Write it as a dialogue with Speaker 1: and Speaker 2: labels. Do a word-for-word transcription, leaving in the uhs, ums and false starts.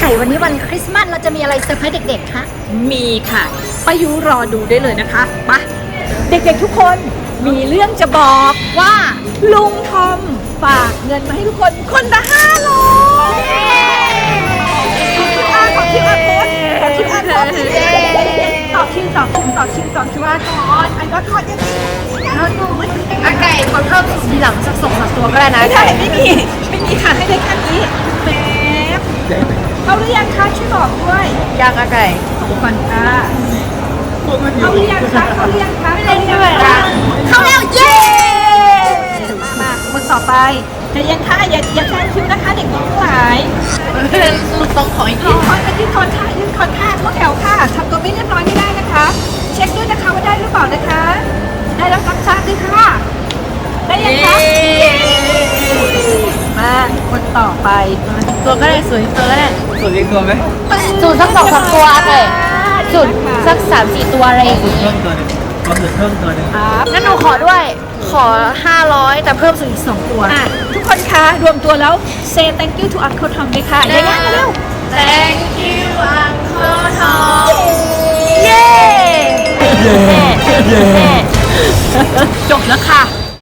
Speaker 1: ก่วันนี้วันคริสต์มาสเราจะมีอะไรเซอร์ไพรส์เด็กๆคะ
Speaker 2: มีค่ะป้ายุรอดูได้เลยนะคะไปเด็กๆทุกคนมีเรื่องจะบอกว่าลุงทอมฝากเงินมาให้ทุกคนคนละห้าร้อยขอคิวอาร์โค้ดขอคิวอาร์โค้ดต่อคิวต่อคิวต่อคิวต่อคิวอาร์โค้ดอันก็ทอดยังไงอาไก่ขอเพิ่มทีหลังสักสองสามตัวก็ได้นะไม่ได้ไม่มีไม่มีค่ะให้ได้แค่นี้แป๊บเอาหรือยังคะช่วยบอกด้วยยังอาไก่ขอบคุณค่ะเขาเรียกคะเขาเรียกคะไม่ได้ด้วยค่ะเขาเรียกเย้มามาคนต่อไปจะยังค่ะอย่าอย่าแซงคิวนะคะเด็กน้องทั้งหลายต้องขออีกทียืนคอนยืนคอนค่ะยืนคอนค่ะเข้าแถวค่ะทำตัวไม่เรียบร้อยไม่ได้นะคะ เช็คด้วยนะคะว่าได้หรือเปล่านะคะได้แล้วรับทราบด้วยค่ะได้ยังคะมาคนต่อไปตัวก็ได้สวยตัวก็ได้
Speaker 3: สูตรเรียกตัวไหม
Speaker 1: สูตรสักสองสามตัวเลยสูตรสักสามสี่ตัวอะไรอย่าง
Speaker 3: สูตร
Speaker 1: งี้
Speaker 3: เพิ่มตัวหนึงก็สูตรเพิ่มตัวหนึง
Speaker 2: ครับ
Speaker 1: งั้นหนูขอด้วยขอห้าร้อยแต่เพิ่มสูตรอีกสองตัว
Speaker 2: อ่ะทุกคนคะรวมตัวแล้ว say thank you to Uncle Tom เลยค่ะได้ยังเร็ว
Speaker 1: Thank you Uncle Tom
Speaker 2: เย้
Speaker 1: เย้เย้
Speaker 2: จบแล้วค่ะ